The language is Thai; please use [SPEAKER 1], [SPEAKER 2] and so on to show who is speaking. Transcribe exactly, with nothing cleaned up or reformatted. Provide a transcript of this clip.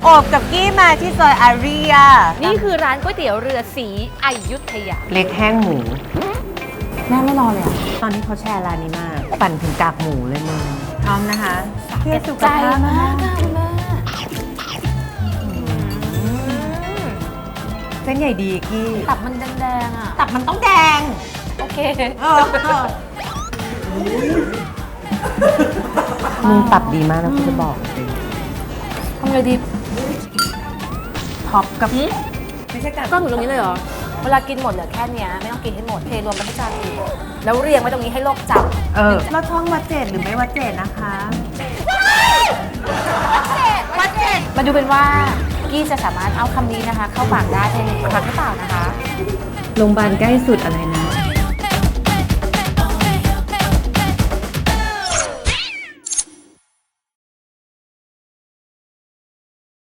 [SPEAKER 1] โอบกับกี้มาที่ซอยอารีย
[SPEAKER 2] นี่คือร้านก๋วยเตี๋ยวเรือสีอยุธยา
[SPEAKER 1] เล็กแห้งหมู
[SPEAKER 2] แม่ไม่รอเลยอ่ะ
[SPEAKER 1] ตอนนี้เขาแชร์ร้านนี้มาก ปั่นถึงกากหมูเลยมึงพร้อมนะคะเพื่อสุข
[SPEAKER 2] ใจ
[SPEAKER 1] ภาพ
[SPEAKER 2] มากค่ะคุณแม่
[SPEAKER 1] เส้นใหญ่ดีกี้
[SPEAKER 2] ตับมันแดงๆอ่ะ
[SPEAKER 1] ตับมันต้องแดง
[SPEAKER 2] โอเค
[SPEAKER 1] เออมึงตับดีมากนะกูจะบอกจริง
[SPEAKER 2] ทำไงดี
[SPEAKER 1] ท็อปกับไม่ใช่กาก
[SPEAKER 2] ก็ถึงตรงนี้เลยเหรอ เวลากินหมดเหลือแค่เนี้ยไม่ต้องกินให้หมด เทรวมไปที่จานอื่นแล้วเรียงไว้ตรงนี้ให้โลกจำ
[SPEAKER 1] เออเราท่องวัดเจดหรือไม่วัดเจดนะคะ
[SPEAKER 2] วัดเจ็ดมาดูเป็นว่ากี้จะสามารถเอาคำนี้นะคะ เข้าปากได้ในหนึ่งครั้งหรือเปล่านะคะ
[SPEAKER 1] โรงพยาบาลใกล้สุดอะไรนะ